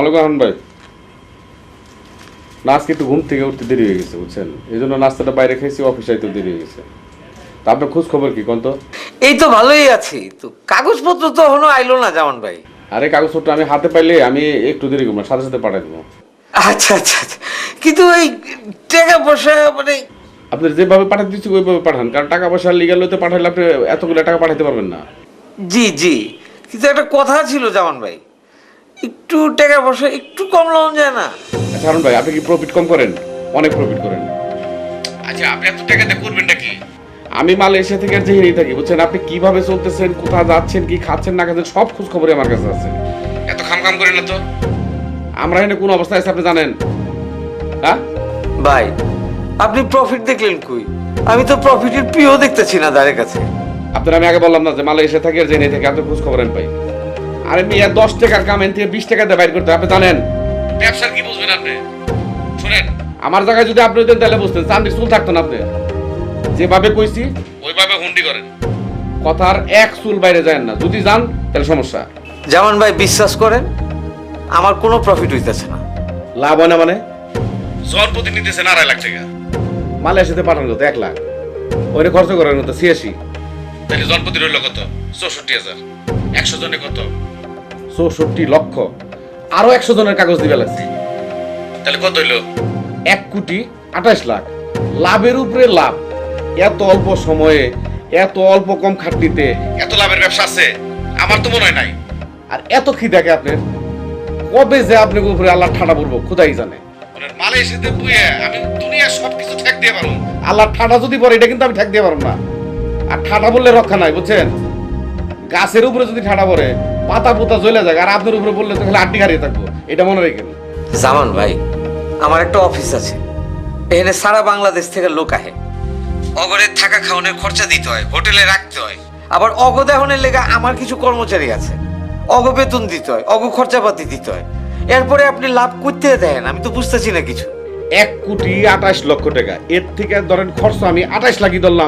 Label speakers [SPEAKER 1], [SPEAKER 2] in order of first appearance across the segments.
[SPEAKER 1] সালামালাইকুম রহমান ভাই। না আজকে একটু ঘুম থেকে উঠতে দেরি হয়ে গেছে বুঝছেন, এই জন্য নাস্তাটা বাইরে খাইছি, অফিসে আইতে দেরি হয়ে গেছে। তা আপনার খোঁজ খবর কি কোন তো?
[SPEAKER 2] এই তো ভালোই আছি তো, কাগজপত্র তো এখনো আইলো না জামান ভাই।
[SPEAKER 1] আরে কাগজপত্র আমি হাতে পাইলে আমি একটু দেরি করবো না, সাথে সাথে পাঠাই দেবো।
[SPEAKER 2] আচ্ছা আচ্ছা আচ্ছা, কিন্তু এই টাকা পয়সা মানে
[SPEAKER 1] আপনি যেভাবে পাঠাতে দিচ্ছি ওইভাবে পাঠান, কারণ টাকা পয়সা লিগাল হইতে পাঠাইলে আপনি এতগুলো টাকা পাঠাতে পারবেন না।
[SPEAKER 2] জি জি, কিন্তু একটা কথা ছিল জামান ভাই, একটু টাকা পয়সা একটু কম লওয়া যায় না?
[SPEAKER 1] আচ্ছা হারুন ভাই, আপনি কি প্রফিট কম করেন? অনেক প্রফিট করেন। আচ্ছা আপনি এত টাকা দিয়ে করবেন নাকি? আমি মালয়েশিয়া থেকে আর যেহেনেই থাকি বুঝছেন, আপনি কিভাবে চলতেছেন, কোথায় যাচ্ছেন, কি খাচ্ছেন না খাচ্ছেন, সব খোঁজ খবরই আমার কাছে আছে। এত খাম করেন না তো। আমরা এখানে কোন অবস্থায় আছে আপনি জানেন? হ্যাঁ
[SPEAKER 2] ভাই, আপনি প্রফিট দেখলেন কই? আমি তো প্রফিটের পিও দেখতেছি না তাদের কাছে।
[SPEAKER 1] আপনার আমি আগে বললাম না যে মালয়েশিয়া থেকে আর জেনে থেকে আপনি খোঁজ খবর পাই। আরে মিয়া 10 টাকার কাম এন থেকে 20 টাকা দিয়ে বাইর করতে আপনি জানেন? ব্যবসার কি বুঝবেন আপনি? শুনেন, আমার জায়গায় যদি আপনি হতেন তাহলে বুঝতেন, চান্দির চুল থাকতো না। আপনি যেভাবে কইছি ওইভাবে হুন্ডি করেন, কথার এক চুল বাইরে যায় না। যদি যান তাহলে সমস্যা।
[SPEAKER 2] জামান ভাই বিশ্বাস করেন, আমার কোনো প্রফিট হইতেছে না।
[SPEAKER 1] লাভ হয় না মানে? জন প্রতি নিতেছেন 2.5 লাখ টাকা, মালয়েশিয়াতে পাঠানো কত 1 লাখ, ওইটা খরচ করার মতো 86, তাহলে জন প্রতি রইল কত? 64,000। 100 জনে কত? 64 লক্ষ। আরো 100 জনের কাগজ দিবে লাগছে, তাহলে কত হইল? 1,28,00,000। লাভের উপরে লাভ। এত অল্প সময়ে, এত অল্প কম খাটনিতে এত লাভের ব্যবসা আছে আমার তো মনে হয় নাই। আর এত খিদাকে আপনার কবে যে আপনার উপরে আল্লাহ ঠাডা পড়বো খোদাই জানে। মালয়েশিয়াতে বুয়ে আমি দুনিয়ার সবকিছু ঠেক দিয়ে পারবো, আল্লাহ ঠাডা যদি পড়ে এটা কিন্তু আমি ঠেক দিয়ে পারবো না। আর ঠাডা বললে রক্ষা নাই বুঝছেন, গাছের উপরে যদি ঠাডা পড়ে পাতা পোতা জ্বলে যায়, আর আপনার উপরে বললে তো খালি আড্ডি হারিয়ে থাকবো, এটা মনে রাখেন।
[SPEAKER 2] জামান ভাই, আমার একটা অফিস আছে, এখানে সারা বাংলাদেশ থেকে লোক আহে। অগরে থাকা খাওয়ানোর খরচা দিতে হয়, হোটেলে রাখতে হয়, আবার অগদাহনের লেগে আমার কিছু কর্মচারী আছে, অগ বেতন দিতে হয়, অগ খরচাপাতি দিতে হয়। এরপরে আপনি লাভ করতে দেন, আমি তো বুঝতেছি না কিছু।
[SPEAKER 1] 1,28,00,000 টাকা, এর থেকে ধরেন খরচ আমি 28 লাখই ধরলাম,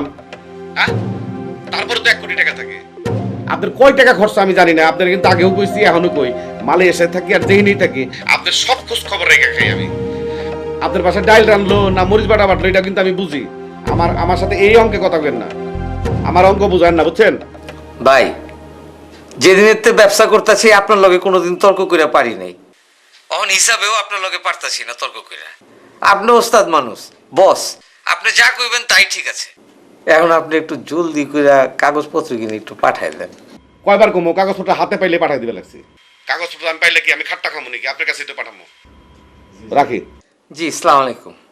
[SPEAKER 1] তারপরে তো 1 কোটি টাকা থাকে। আপনার কয় টাকা খরচ আমি জানি না, আপনার কিন্তু আগেও কইছি এখনো কই, মালয়েশিয়ায় থাকি আর যেখানেই থাকি আপনার সব খোঁজ খবর রেখে খাই আমি। আপনার বাসায় ডাইল রানলো না মরিচ বাটা বাটলো এটা কিন্তু আমি বুঝি। আমার সাথে এই অঙ্কে কথা বলেন না, আমার অঙ্ক বুঝেন না বুঝছেন
[SPEAKER 2] ভাই। যেদিনের তে ব্যবসা করতেছি আপনার লগে কোনোদিন তর্ক করে পারি নাই, অন হিসাবেও আপনার লগে পারতাছি না তর্ক করে। আপনি ওস্তাদ মানুষ, বস, আপনি যা কইবেন তাই ঠিক আছে। এখন আপনি একটু জলদি করে কাগজপত্র কিনে একটু পাঠাই দেন।
[SPEAKER 1] কয়বার কমো, কাগজপত্র হাতে পাইলে পাঠাই দিবে লাগছে। কাগজপত্র আমি পাইলে কি আমি খাট্টা খামো নাকি? আপনার কাছে তো পাঠাবো। রাখি।
[SPEAKER 2] জি, আসসালামু আলাইকুম।